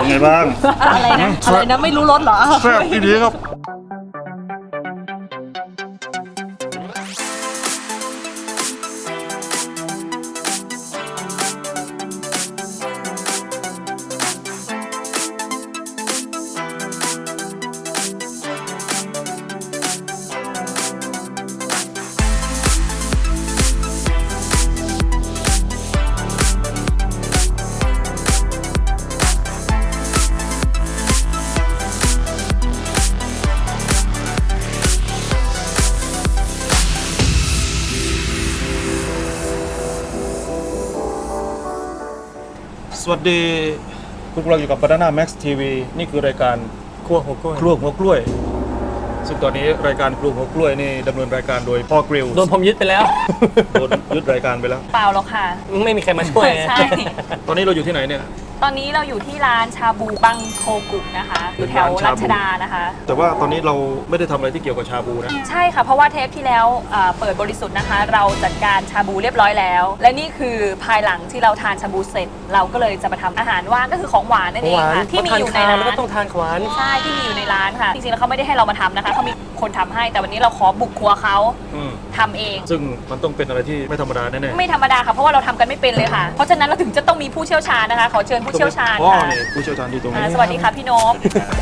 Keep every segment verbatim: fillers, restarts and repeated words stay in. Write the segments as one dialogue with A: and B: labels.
A: เป็นไงบ้าง
B: อะไรนะอะไรนะไม่รู้รสเหรอ
A: แซ่บอีดีครับสวัสดีคุณกำลังอยู่กับ Banana Max ที วี นี่คือรายการ
C: ครัวหัวกล้วย
A: ครัวหัวกล้วยซึ่งตอนนี้รายการครัวหัวกล้วยนี่ดำเนินรายการโดยพ่อกริล
C: โดนผมยึดไปแล้ว
A: โดนยึดรายการไปแล้ว
B: เปล่าหรอกค่ะ
C: ไม่มีใครมาช่วย
B: ใช่
A: ตอนนี้เราอยู่ที่ไหนเนี่ย
B: ตอนนี้เราอยู่ที่ร้านชาบูบังโคกุนะคะอยู่แถวรัชดานะคะ
A: แต่ว่าตอนนี้เราไม่ได้ทำอะไรที่เกี่ยวกับชาบูนะ
B: ใช่ค่ะเพราะว่าเทปที่แล้วเอ่อเปิดบริสุทธิ์นะคะ เราจัดการชาบูเรียบร้อยแล้ว และนี่คือภายหลังที่เราทานชาบูเสร็จ เราก็เลยจะมาทำอาหารว่างก็คือของหวานนั่นเองค่ะที่มีอยู่ในร้าน
C: แล้วก็ต้องทานหวาน
B: ใช่ที่มีอยู่ในร้านค่ะจริงๆแล้วเขาไม่ได้ให้เรามาทำนะคะเขามีคนทำให้แต่วันนี้เราขอบุกครัวเขา
A: อืม
B: ทำเอง
A: ซึ่งมันต้องเป็นอะไรที่ไม่ธรรมดาแน่ๆ
B: ไม่ธรรมดาค่ะเพราะว่าเราทำกันไม่เป็นเลยค่ะเพราะฉะนั้นเราถึงจะต้องมีผู้เชี่ยวชาญนะคะขอเชิญผู้เชี่ยวชาญ
A: อ๋อ
B: ค่ะ
A: นี่ผู้เชี่ยวชาญที่ตรงนี้
B: อ่าสวัสดีค่ะพี่นพ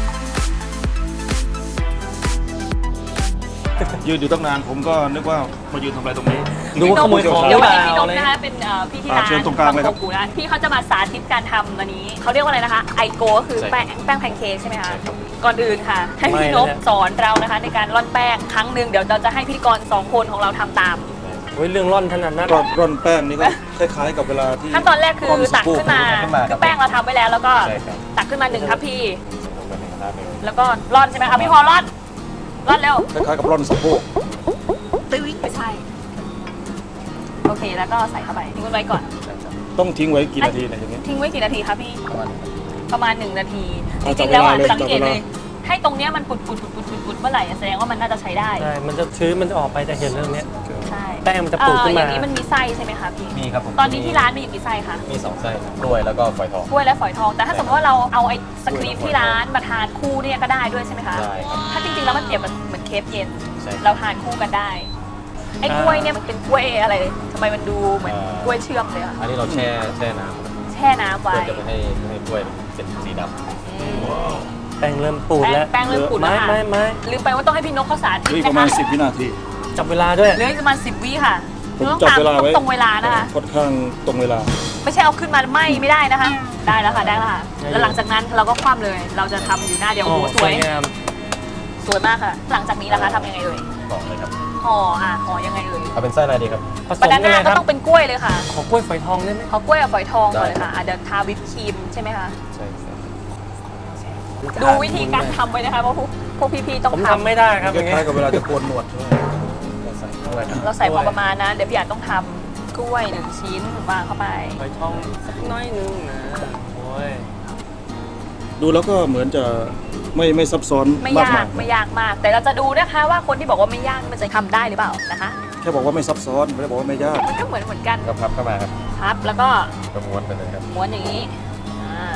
A: ยืนอยู่ตั้งนานผมก็นึกว่ามายืนทำอะไรตรงนี้
C: ดูว่าขโมยของห
B: เดี๋
C: รื
B: ยว
C: อเป
B: ให้
C: ล่า
B: พี่นพ
C: เลย
B: นะคะเป็นเอ่อพี่ที่
A: อ่า
B: ร้าน
A: เชิญตรงกลางเลยครับ
B: บัโคกุนะพี่เขาจะมาสาธิตการทำอันนี้เขาเรียกว่าอะไรนะคะไอโกก็คือแป้งแป้งแพนเค้กใช่ไหมคะก่อนอื่นค่ะ ให้พี่นพสอนเรานะคะในการร่อนแป้งครั้งหนึ่งเดี๋ยวเราจะให้พิธีกรสองคนของเราทำตาม
C: โอ้ยเรื่องร่อนถนัดนัก
A: ร่อนร่อนแป้งนี่ก็คล้ายๆกับเวลาที่
B: ขั้นตอนแรกคือตักขึ้นมา
D: ขึ้นมา
B: คือแป้งเราทำไว้แล้วแล้วก็
D: ใช่ครับ
B: ตักขึ้นมาหนึ่งทัพพีแล้วก็ร่อนใช่ไหมคะพี่พอร่อนร่อนเร็ว
A: คล้ายๆกับร่อนสะโพก
B: ตึ้งไม่ใช่โอเคแล้วก็ใส่เข้าไปทิ้งไว้ก่อน
A: ต้องทิ้งไว้กี่นาทีเนี่ยอย่างนี้
B: ทิ้งไว้กี่นาทีคะพี่
D: ประมาณ
B: ประมาณหนึ่งนาทีจ
A: เอา
B: ริงๆแล้วอ่ะ
A: จับเวลาเลย
B: สังเกต
A: จับเวลา
B: เลย ให้ตรงเนี้ยมันปุดปุดปุดปุดปุดปุดเมื่อไหร่อะแสดงว่ามันน่าจะใช้ได้
C: ใช่ มันจะชื้นมันจะออกไปจะเห็นเรื่องเนี้ย
B: ใช่
C: แป้งมันจะปูดขึ้นมา
B: เอ่ออย่างนี้มันมีไส้ใช่ไหมคะพี่
D: มีครับผม
B: ตอนนี้ที่ร้านมีอยู่กี่ไส้คะ
D: มีสองไส้กล้วยแล้วก็ฝอยทอง
B: กล้วยและฝอยทอง แต่ถ้าสมมติว่าเราเอาไอ้สครีมที่ร้านมาทานคู่เนี่ยก็ได้ด้วยใช่ไหมคะ
D: ได้ครับ
B: ถ้าจริงๆแล้วมันเปรียบเหมือนเคฟเย็น
D: ใช่
B: เราทานคู่กันได้ ไอ้กล้วยเนี่ยมันเป็นกล้วยอะไรทำไมมันดูเหมือน
D: เอ่อ
B: กล้วยเชื่อมเลยอะ
D: อันนี้เราแช่แช่น้
B: แช่น้ำ
D: ำ
B: ไว้
D: เพื่อจะไม่ให้ไม่ให้กล้วยเป็นสีด
B: อืม
C: แป้งเริ่มปูด
B: แป้ง
C: แล้ว
B: แป้งเริ่มปูดแล้ว
C: ไม้
B: ค่ะ
C: ไม้ไม้
B: ลืมไปว่าต้องให้พี่นกเขาสาธิต
A: เฮ้ย
B: นะ
A: ประมา
B: คะ
A: ณสิบวินาที
C: จับเวลาด้วย
B: เหลืออีกประมาณสิบวิค่ะ
A: ผม
B: ต้อง
A: จับ
B: ตาม
A: เวลาไว้
B: ตรงเวลานะคะ
A: ค่อนข้างตรงเวลา
B: ไม่ใช่เอาขึ้นมาไหมไม่ได้นะคะ ได้แล้วค่ะได้แล้วค่ะ
C: ได้
B: แล้วหลังจากนั้นเราก็คว่ำเลย เราจะทำอยู่หน้าเดียวโอ้โหสวย
C: งาม
B: สวยมากค่ะ หลังจากนี้นะคะทำยังไงเอ่ย
D: ำบอกเลยครับ
B: ห่ออ่ะห่อยังไงเอ่ย
D: เอาเป็นไส้อะไรดีครับ
C: ผส
B: บาม นา
C: กัน
B: น่า
C: เลยค
B: ก็
C: รับ
B: ต้องเป็นกล้วยเลยค่ะ
C: ขอกล้วยฝอยทองได้ไหม
B: เอากล้วยกับฝอยทองก่อนเลย
D: ได้
B: ค่ะอ่ะเดี๋ยวทาวิปครีมใช่ไหมคะ
D: ใช่ใช่
B: ดูวิธีการทำไว้นะคะเพราะพวกพวกพี่ๆต้อง
C: ผม
B: ท
C: ทำไม่ได้ครับ
A: ค
C: อย่างเงี้ย
A: ล้ายๆกับเวลาจะโกนหนวดใช่ไหม
D: เราใส่กล้วยนะ
B: ำเราใส่พอประมาณนะ เดี๋ยวพี่อาจต้องทำกล้วยหนึ่งชิ้นวางเข้าไป
C: ฝอยทองสักน้อยนึงนะโอ้ย
A: ดูแล้วก็เหมือนจะไม่ไม่ซับซ้อน
B: ไม่
A: มาก
B: ยาม
A: าก ย
B: ไม่ยากมาก แต่เราจะดูนะคะว่าคนที่บอกว่าไม่ยากมันจะทำได้หรือเปล่านะคะ
A: แค่บอกว่าไม่ซับซ้อนไม่ได้บอกว่าไม่ยาก
B: มันก็เหมือนเหมือนกัน
D: ก็พับเข้ามาครับ
B: พับแล้วก็
D: ก็ม้วนไปเลยครับ
B: ม้วนอย่างนี้อ่า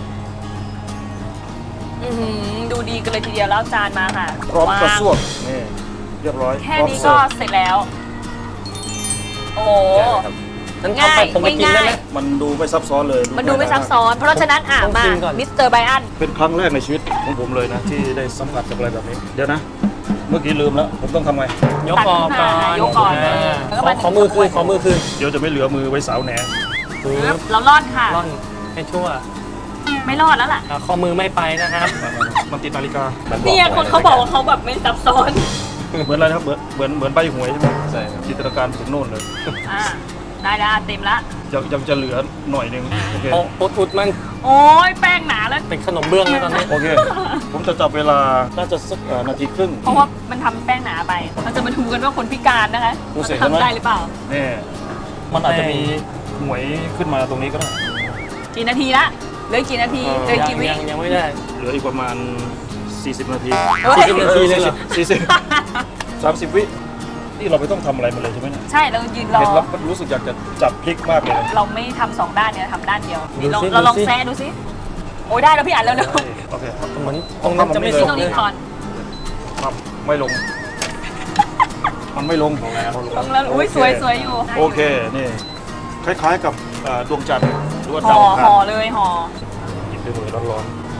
B: อือหือดูดีกันเลยทีเดียวแล้วจานมาค่ะ
A: พร้อมกระ
B: วาง
A: ซวกนี่เรียบร้อย
B: แค่
A: พร้อม
B: นี้
A: เสิ
B: ก็
A: ร์ฟ
B: เสร็จแล้ว โอ้โห
D: แกะเลยครับ
C: นั้นเอาไปผมไปกินได้ไหม
B: ง่าย
A: มันดูไม่ซับซ้อนเลย
B: มันดูไม่ซับซ้อน เพราะฉะนั้นอ่ะ
C: ต้อง
B: มา
C: ชิมก่อน
B: มิสเตอร์ไบอัน
A: เป็นครั้งแรกในชีวิตของผมเลยนะ ที่ได้สัมผัสกับอะไรแบบนี้ เดี๋ยวนะ เมื่อกี้ลืมแล้ว ผมต้องทำไง
C: ยกออกก่อน
B: ยกก่อน
C: อ่า
B: แล้วก็
C: ขอ
B: มา
C: ขอมือคืนขอมือคืน
A: เดี๋ยวจะไม่เหลือมือไว้สาวแหน
C: ปึ๊บ
B: เรารอดค่ะ
C: ร่อนให้ชั่ว
B: ไม่รอดแล้วล่ะ
C: อ่าข้อมือไม่ไปนะครับ
A: มันติดนาฬิกา
D: มันบ
B: เนี่ยคนเขาบอกว่าเขาแบบไม่ซับซ้อน
A: เหมือนอะไรนะครับ เหมือนเหมือนเหมือนใบหวยใช่ไหม
D: ใช่ครับ
A: จินตนาการถึงโน่นเลย
B: อ่าได้แล้วเต็มละ
A: ยังยังจะเหลือหน่อยหนึงโอเค
C: โอ้อุดอุดมัน
B: โอ้ยแป้งหนาแล้ว
C: เป็นขนมเบื้องเลยตอนนี้
A: โอเค ผมจะจับเวลา น่าจะสักเอ่อนาทีครึ่ง
B: เพราะว่ามันทำแป้งหนาไป เราจะมาดูกันว่าคนพิการนะคะ
A: ดูสิ
B: เขาจะทำได้หรือเปล่า
A: นี่มันอาจจะมีหวยขึ้นมาตรงนี้ก็ได้
B: กี่นาทีละเหลือกี่นาที
A: เออ
B: เหลือ
C: ยัง
B: กี่วิ
C: ยังยังไม่ได้
A: เหลืออีกประมาณ สี่สิบ นาที
B: เฮ้ย
C: สี่สิบนาทีเลยเหรอ
A: สี่สิบ สามสิบ วินี่เราไม่ต้องทำอะไรมาเลยใช่ไหมเนี่ย
B: ใช่เรายืนรอ
A: เห็นแล้วก็รู้สึกอยากจะจับพลิกมากเลย
B: เราไม่ทำสองด้านเนี่ยทำด้านเดียวนี่เรา
C: ดูสิ
B: เราลอง
C: ดูสิ
B: แซะดูสิโอ้ยได้แล้วพี่อันแล้วเร็ว
A: โอเค
C: เหมือนตรงนั้นจะไม่
B: ๆ
C: สุ
B: นี่
C: ก
B: ตรง
C: เล
B: นี้
C: ย
B: ก่อน
A: ครับไม่ลง มันไม่ลง
B: ตรงแล้วอุ้ยสวยสวยอยู่
A: โอเค นี่ คล้ายๆกับเอ่อดวงจันทร์หรือว่า
B: ห่
A: ดา
B: อ
A: วอังคาร
B: ห่อเลยห่อ
A: หยิบด้วยมือร้อน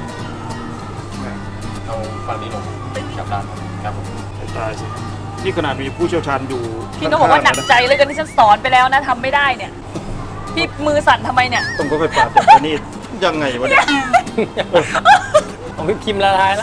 D: เอาฝั่งนี้ลงกับด้านครับผม
A: ๆตายสินี่ขนาดมีผู้เชี่ยวชาญอยู่
B: พี่ต้องบอกว่าหนัก
A: ข้งๆ
B: ใจเลยกันที่ฉันสอนไปแล้วนะทำไม่ได้เนี่ยพี่มือสั่นทำไมเนี่ย
A: ต้องค่อยๆปาดแต่อันนี้ยังไงวะเนี่ย
C: ของพี่พิมพ์ละลายแล้ว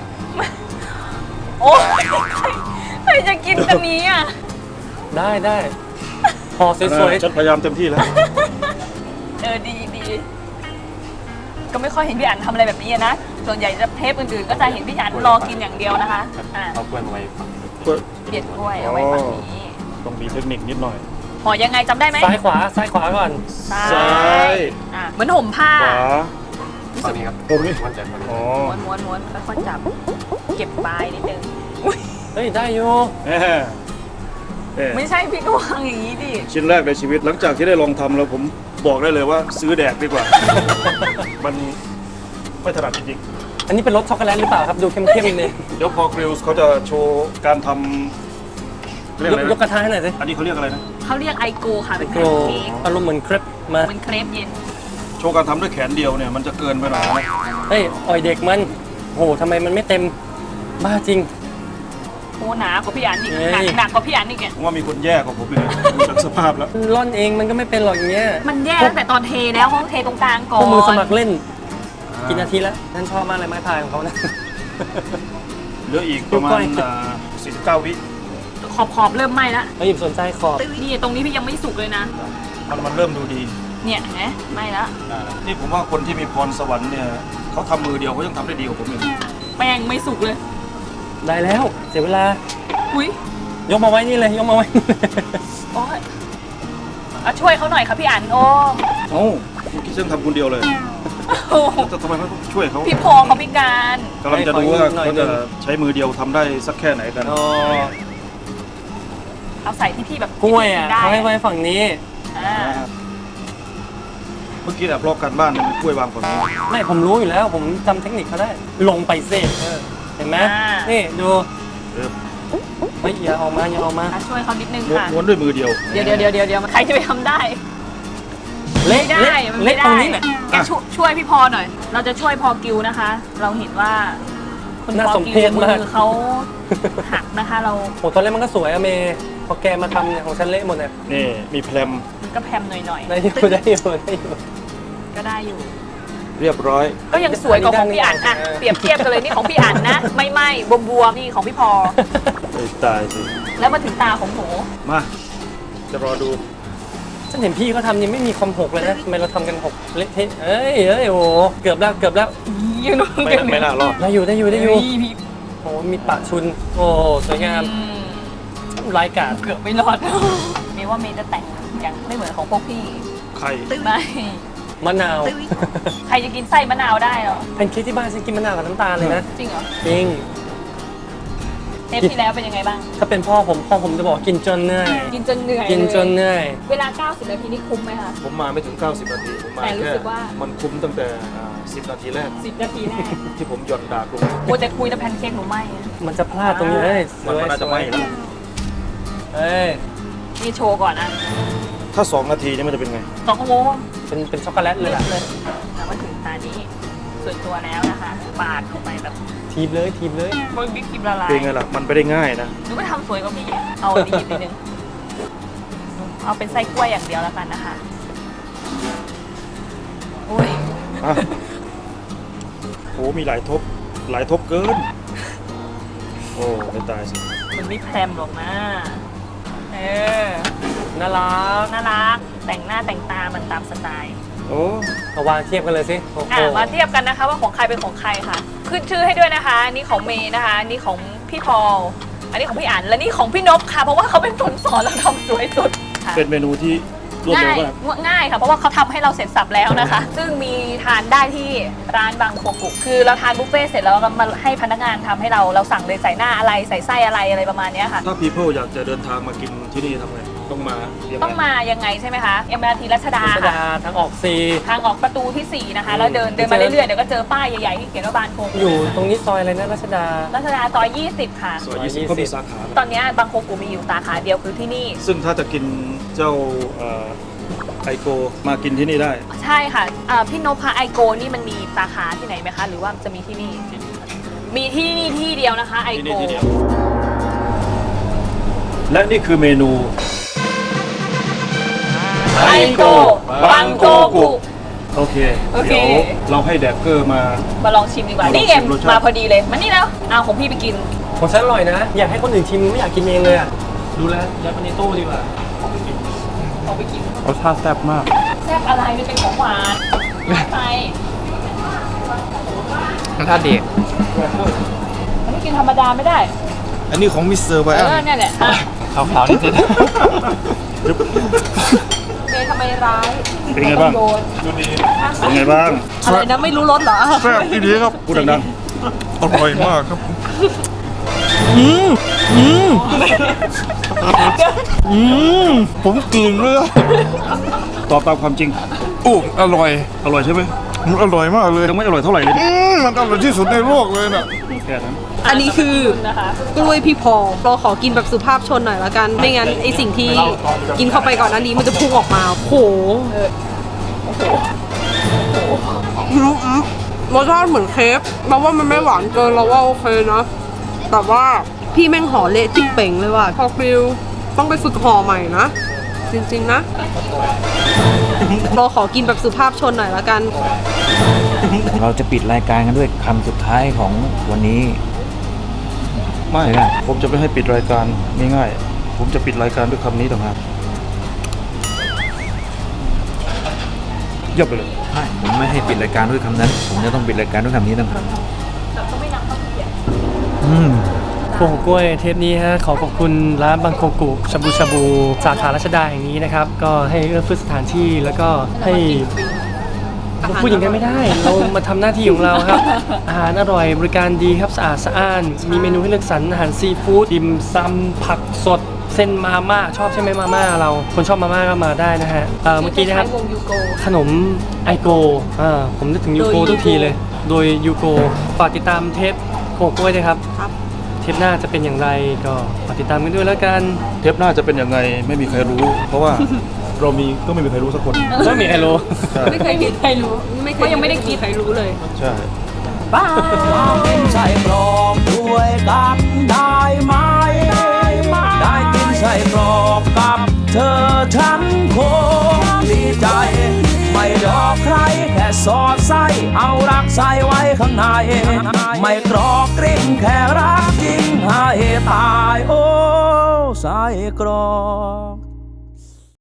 B: โอ้ยใครจะกินกันนี้อ่ะ
C: ได้ได้ห่อสวย
A: ฉันพยายามเต็มที่แล้ว
B: เออดีดีก็ไม่ค่อยเห็นพี่อันทำอะไรแบบนี้อะนะส่วนใหญ่จะเทปอื่นๆก็จะเห็นพี่อันรอกินอย่างเดียวนะคะอ่า
D: เอากล้วยมาไว้ฝั่งนี้
B: เด็ดกล้วยเอาไว้ฝั่งนี้
A: ต้องมีเทคนิคนิดหน่อย
B: ห่อยังไงจำได้ไหม
C: ๆซ้ายขวาซ้ายขวาก่อน
A: ซ้าย
B: อ่ะเหมือนห่มผ้า
A: ขวา
D: ฝั่งนี้ครับ
A: ผมนี่
D: มั่นใจฝั่งนี้
A: อ๋อ
B: ม้วนม้วนม้วนค่อยๆจับ เก็บปลายนิดนึงอุ๊ย
C: เฮ้ยได้อยู่
A: แหมแหม
B: ไม่ใช่พี่ก็วางอย่างนี้ดิ
A: ชิ้นแรกในชีวิตหลังจากที่ได้ลองทำแล้วผมบอกได้เลยว่าซื้อแดกดีกว่า มันไม่ถนัดจริง
C: อันนี้เป็นรสช็อกโกแลตหรือเปล่าครับดูเข้มๆเลย
A: ๆเดี๋ยวพอกริลส์เขาจะโชว์การทำเรียก
C: ย
A: อะ
C: ก
A: ไร
C: ยกก
A: นะ
C: ระทะให้หน่อยสิ
A: อันนี้เขาเรียกอะไรนะ
B: เขาเรียกไอโกค่ะเป็นแพ
C: โก
B: นเค้ก
C: อารมณ์เหมือนเครปมา
B: เหมือนเครปเย็น
A: โชว์การทำด้วยแขนเดียวเนี่ยมันจะเกินไปหน่อยนะ
C: เฮ้ยอ่อยเด็กมันโหทำไมมันไม่เต็มบ้าจริง
B: โอ้หนากว่าพี่อันอีก
C: เฮ้ย
B: หนักหนักกว่าพี่อันอีกเนี่ย
A: ผมว่ามีคนแย่กว่าผมเลยดูจากสภาพแล้ว
C: ร่อนเองมันก็ไม่เป็นหรอกอย่างเงี้ย
B: มันแย่ตั้งแต่ตอนเทแล้วเขาเทตรงกลางก่
C: พ
B: อ
C: วก
B: น
C: มือสมัครเล่นกี่นาทีแล้วฉันชอบมากเลยไม้พายของเขานะ
A: เหลืออีกประมา
C: ดูก้
A: ณ
C: อย
A: อ่าสี่สิบเก้าวิ
B: ขอบขอบเริ่มไหม้แล้ว
C: มาหยิบสนใจขอบ
B: นี่ตรงนี้พี่ยังไม่สุกเลยนะ
A: มันมันเริ่มดูดี
B: เนี่ยเห็นไหมไหม้แล้ว
A: นี่ผมว่าคนที่มีพรสวรรค์เนี่ยเขาทำมือเดียวเขายังทำได้ดีกว่าผมอีก
B: แป้งไม่สุกเลย
C: ได้แล้วเสียเวลา
B: อุ้ย
C: ยกมาไว้นี่เลยยกมาไว้
B: โอ้ยเอาช่วยเขาหน่อยค่ะพี่อันโอ้
A: เอ้าเมื่อกี้ฉันทำคนเดียวเลย
B: โอ้
A: แต่ทำไมเขาต้องช่วยเขา
B: พี่พอเขาพิการ
A: กำลังจะดูว่าเขาจะใช้มือเดียวทำได้สักแค่ไหนกัน
C: อ๋อ
B: เอาใส่ที่พี่แบบ
C: กล้วยอ่ะ
B: ได้
C: เขาให้ไว้ฝั่งนี้
B: อ่า
A: เมื่อกี้แอบลอกการบ้านเนี่ยกล้วยวางฝั่งนี้
C: ไม่ผมรู้อยู่แล้ว ผมจำเทคนิคเขาได้ ลงไปเซ่เห็นไหมนี่ดู
A: เออ
C: เฮ้ยอย่าออกมาอย่าออกมา
B: อ่ะช่วยเขานิดนึง
A: ม้วน
B: ค่ะ
A: ม้วนด้วยมือเดียว
B: เดี๋ยวเดี๋ยวเดี๋ยวเดี๋ยวเดี๋ยวใครจะไปทำได้
C: เละ
B: ไม่ได้
C: เละ
B: มัน
C: เละ
B: ไม่
C: ตร
B: ได้
C: งนี้แหละ
B: แกช่วยช่วยพี่พอหน่อย เราจะช่วยพอกิวนะคะ เราเห็นว่าคุณ
C: น่า
B: พอ
C: สม
B: กิ
C: เพ
B: ว
C: ช
B: มื
C: มาก
B: อเขาหักนะคะ เรา
C: โหตอนแรกมันก็สวยอะเมย์พอแกมาทำเนี่ยของฉันเละหมดเนี่ย
A: นี่มีแพรม
B: มันก็แพมหน่อย
C: ได้อยู่ได้อยู่ได้อยู่
B: ๆก็ได้อยู่
A: เรียบร้อย
B: ก็ยังสวยกว่าของพี่อันอะ
C: เออ
B: เปรียบเทียบกันเลยนี่ของพี่อันนะ ไม่ไหม้บวมบวมๆนี่ของพี่พอ
A: ไอ้ตายสิ
B: แล้วมาถึงตาของหนู
A: มาจะรอดู
C: ฉันเห็นพี่เขาทำยังไม่มีความหกเลยนะทำไมเราทำกันหกเละเทะเอ้ยเอ้ยโอ้โหเกือบแล้วเกือบแล้ว
B: ยืน
A: ไม่น่าไม่น่ารอด
C: ได้อยู่ได้อยู่ได้อยู่
B: พี่พี่
C: โอ้โหมีปะชุน โอ้โหสวยงาม
B: อืม
C: รายการ
B: เกือบไม่รอด เมย์ว่าเมย์จะแต่งอย่างไม่เหมือนของพวกพี่
A: ไข่
B: ไม่
C: มะนาว
B: ใครจะกินไส้มะนาวได้เหรอ
C: เป็นคิดที่บ้านฉันกินมะนาวกับน้ำตาลเลยนะ
B: จริงเหรอ
C: จริง
B: เทปที่แล้วเป็นยังไงบ้าง
C: ถ้าเป็นพ่อผมพ่อผมจะบอกกินจนเหนื่อย
B: กินจนเหนื่อย
C: กินจน
B: เลย
C: เหนื่อย
B: เวลา เก้าสิบ นาทีนี่คุ้มไหมคะ
A: ผมมาไม่ถึง เก้าสิบ นาที ผมมา
B: แต่รู้
A: แค่
B: สึกว่า
A: มันคุ้มตั้งแต่อ่าสิบ นาทีแรก
B: สิบ นาทีแรก
A: ที่ผมหย่อนดากลง
B: โอ้แต่คุยแต่แพนเค้กหนูไม่อะ
C: มันจะพลาดตรงนี้เอ้ยส
A: มัน
C: วย
A: ก็น่า
C: ส
A: จะ
C: ว
A: ไหม้
C: ย
A: แล้ว
C: เอ้ย
B: นี่โชว์ก่อนนะ
A: ถ้าสองนาทีนี่มันจะเป็นไง
B: สองโมง
C: เป็นเป็นช็อกโกแลตเลย
B: เลิ
C: ล่ะ
B: ศเลยแล้วมาถึงตานี้ส่วนตัวแล้วนะคะปาดเข้าไปแบบ
C: ทีบเลยทีบเลย
B: โอ้ยบิ๊กครีมละลาย
A: เป็นไงล่ะ มันไปได้ง่ายนะ
B: หนูก็ทำสวยกว่าพี่อะเอาอันนี้อีกนิดนึงเอาเป็นไส้กล้วยอย่างเดียวแล้วกันนะคะอุ้ย
A: อ่ะโอ้มีหลายทบ หลายทบเกิน โอ้ไม่ตายสิ
B: มันไม่แพรมหรอกนะเออ
C: น่ารัก
B: น่ารักแต่งหน้าแต่งตามันตามสไตล์
A: โอ้
C: เอาวางเทียบกันเลยสิโอ้โห
B: อ่ะมาเทียบกันนะคะว่าของใครเป็นของใครค่ะ ขึ้นชื่อให้ด้วยนะคะอันนี่ของเมย์นะคะอันนี่ของพี่พอลอันนี้ของพี่อั๋นและนี่ของพี่นพค่ะ เพราะว่าเขาเป็นคนสอนเราทำสวยสุดค่ะ
A: เป็นเมนูที่รวดเร็
B: ง่า
A: วย มาก
B: ง่ายค่ะ เพราะว่าเขาทำให้เราเสร็จสับแล้วนะคะ ซึ่งมีทานได้ที่ร้านบางโคกุคือเราทานบุฟเฟ่ต์เสร็จแล้วเรามาให้พนักงานทำให้เราเราสั่งเลยใส่หน้าอะไรใส่ไส้อะไรอะไรประมาณเนี้ยค่ะ
A: ถ้า people อยากจะเดินทางมากินที่นี่ทำไงต้องมายังไง
B: ต้องมายังไงใช่ไหมคะเอ็มอาร์ทีรัชดา
C: รัชดา
B: ค่ะ
C: ทางออกสี่
B: ทางออกประตูที่สี่นะคะแล้วเดินเดินมาเรื่อยๆเดี๋ยวก็เจอป้ายใหญ่ๆที่เขียนว่าบางโค
C: อยู่ตรงนี้ซอยอะไรนะรัชดา
B: รัชดาซอยยี่สิบค่ะ
A: ซอยยี่สิบก็มีสาขา
B: ตอนนี้บางโคกูมีอยู่สาขาเดียวคือที่นี่
A: ซึ่งถ้าจะกินเจ้าเอ่อไอโกมากินที่นี่ได้
B: ใช่ค่ะอ่าพี่นพคะไอโกนี่มันมีสาขาที่ไหนไหมคะ หรือว่าจะมีที่นี่ มีที่นี่ที่เดียวนะคะไอ
A: ที่
B: โก
A: นี่ที่เดียว และนี่คือเมนู
B: ไอโกบางโกกุ
A: โอเค
B: โอเค
A: เดี๋ยวเราให้แดกเกอร์มา
B: มาลองชิมดีกว่า
A: มาลอง
B: นี่เอ็ม
A: ชิมรสชาติ
B: มาพอดีเลยมานี่แล้วเอาของพี่ไปกิน
C: ของฉันอร่อยนะ อยากให้คนอื่นชิมไม่อยากกินเองเลยอ่ะ ดูแลยัดไปในตู้ดีกว่า
B: เอาไปกิน
A: รสชาติแซ่บมาก
B: แซ่บอะไรมันเป็นของหวานไป
D: รสชาติดี
B: มันไม่กินธรรมดาไม่ได้
A: อันนี้ของมิสเตอร์ไบ
B: เอ
A: อั
B: อน เนี่ยแหละอ่ะ
D: ขาวๆนิดนึง
B: เมย์ทำไมร้าย
A: เป็นไงบ้าง
B: โยน
A: เป็นไงบ้าง
B: อะไรนะไม่รู้รสเหรอ
E: แซ่บอีดีครับ
A: พูดดัง
E: อร่อยมากครับ อืมผมกลืนเลยอะ
A: ๆตอบตามความจริง
E: โอ้อร่อย
A: อร่อยใช่ไหม
E: มันอร่อยมากเลย
A: ยังไม่อร่อยเท่าไหร่เลย
E: อืมมันอร่อยที่สุดในโลกเลยน่ะ
A: แค่นั้น
F: อันนี้คือ
B: นะคะ
F: กล้วยพี่พอเราขอกินแบบสุภาพชนหน่อยละกัน ไม่งั้นไอสิ่งที่กินเข้าไปก่อนหนั้นนี้มันจะพุ่งออกมาโหอืมอืมรสชาติเหมือนเค้กเราว่ามันไม่หวานเกินเราว่าโอเคนะแต่ว่าพี่แม่งห่อเละจิ๊บเป่งเลยว่ะพอฟิลต้องไปฝึกห่อใหม่นะ จริงๆนะเราขอกินแบบสุภาพชนหน่อยละกัน
G: เราจะปิดรายการกันด้วยคำสุดท้ายของวันนี้
A: ไม่
G: ไม่ได้
A: ผมจะไม่ให้ปิดรายการง่ายๆผมจะปิดรายการด้วยคำนี้ต่างหากเยียบไปเลย
G: ไม่ผมไม่ให้ปิดรายการด้วยคำนั้น ผมจะต้องปิดรายการด้วยคำนี้ต่างหากอืม
C: โป่งกล้วยเทปนี้ฮะขอขอบคุณร้านบางโคกุชาบูชาบูสาขารัชดาแห่งนี้นะครับ ก็ให้เอื้อเฟื้อสถานที่แล้วก็ให้พูดอย่างนั้นไม่ได้ เรามาทำหน้าที่ของเราครับ อาหารอร่อยบริการดีครับสะอาดสะอ้าน มีเมนูให้เลือกสรรอาหารซีฟู้ดดิมซำผักสดเส้นมาม่าชอบใช่ไหมมาม่าเราคนชอบมาม่าก็มาได้นะฮะเอ่อเมื่อกี้นะครับ
B: วงยูโก
C: ขนมไอโกอ่าผมนึกถึงยูโก
B: โดย
C: ทุกที
B: Yugo
C: เลย โดยยูโกฝากติดตามเทปโคกล้วยด้วยครับ
F: ครับ
C: เทปหน้าจะเป็นอย่างไรก็ฝากติดตามกันด้วยแล้วกัน
A: เทปหน้าจะเป็นยังไงไม่มีใครรู้ เพราะว่า เรามีก็ไม่มีใครรู้สักคน
C: ไม่มีใครรู้
A: ใช่
F: ไม่เคยมีใครรู้ ไม่เคยยังไม่ได้กินใครรู้เลย
A: ใช่
B: บ้า
H: ใส่กรอกด้วยกันได้ไหม ได้กินใส่กรอกกับเธอฉันคงดีใจ ไม่หลอกใครแค่สอดไส้เอารักใส่ไว้ข้างใน ไม่กรอกกริ่งแค่รักจริงให้ตายโอ้ใส่กรอก